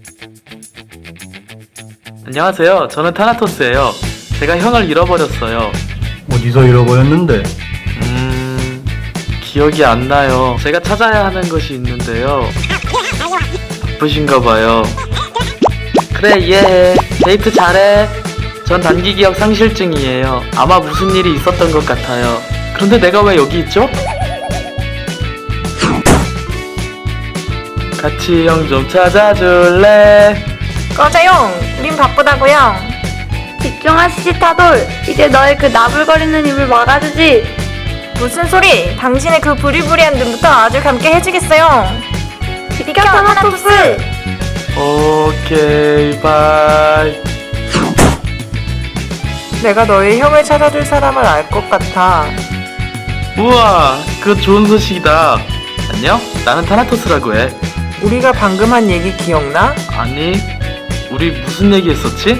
안녕하세요. 저는 타나토스예요. 제가 형을 잃어버렸어요. 어디서 잃어버렸는데? 기억이 안 나요. 제가 찾아야 하는 것이 있는데요. 바쁘신가 봐요. 그래, 이해해. 데이트 잘해. 전 단기 기억 상실증이에요. 아마 무슨 일이 있었던 것 같아요. 그런데 내가 왜 여기 있죠? 같이 형 좀 찾아줄래? 꺼져용! 우린 바쁘다고요. 집중하시지 타돌. 이제 너의 그 나불거리는 입을 막아주지. 무슨 소리? 당신의 그 부리부리한 눈부터 아주 감게 해주겠어요. 비켜 타나토스. 오케이, 바이. 내가 너의 형을 찾아줄 사람을 알 것 같아. 우와, 그거 좋은 소식이다. 안녕? 나는 타나토스라고 해. 우리가 방금 한 얘기 기억나? 아니, 우리 무슨 얘기 했었지?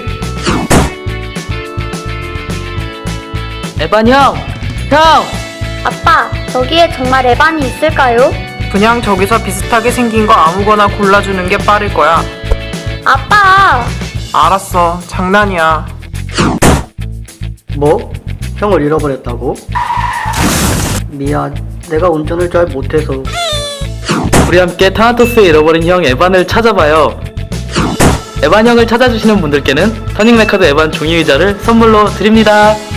에반 형! 형! 아빠, 저기에 정말 에반이 있을까요? 그냥 저기서 비슷하게 생긴 거 아무거나 골라주는 게 빠를 거야. 아빠! 알았어, 장난이야. 뭐? 형을 잃어버렸다고? 미안, 내가 운전을 잘 못해서. 우리 함께 타나토스의 잃어버린 형 에반을 찾아봐요. 에반 형을 찾아주시는 분들께는 터닝 레카드 에반 종이의자를 선물로 드립니다.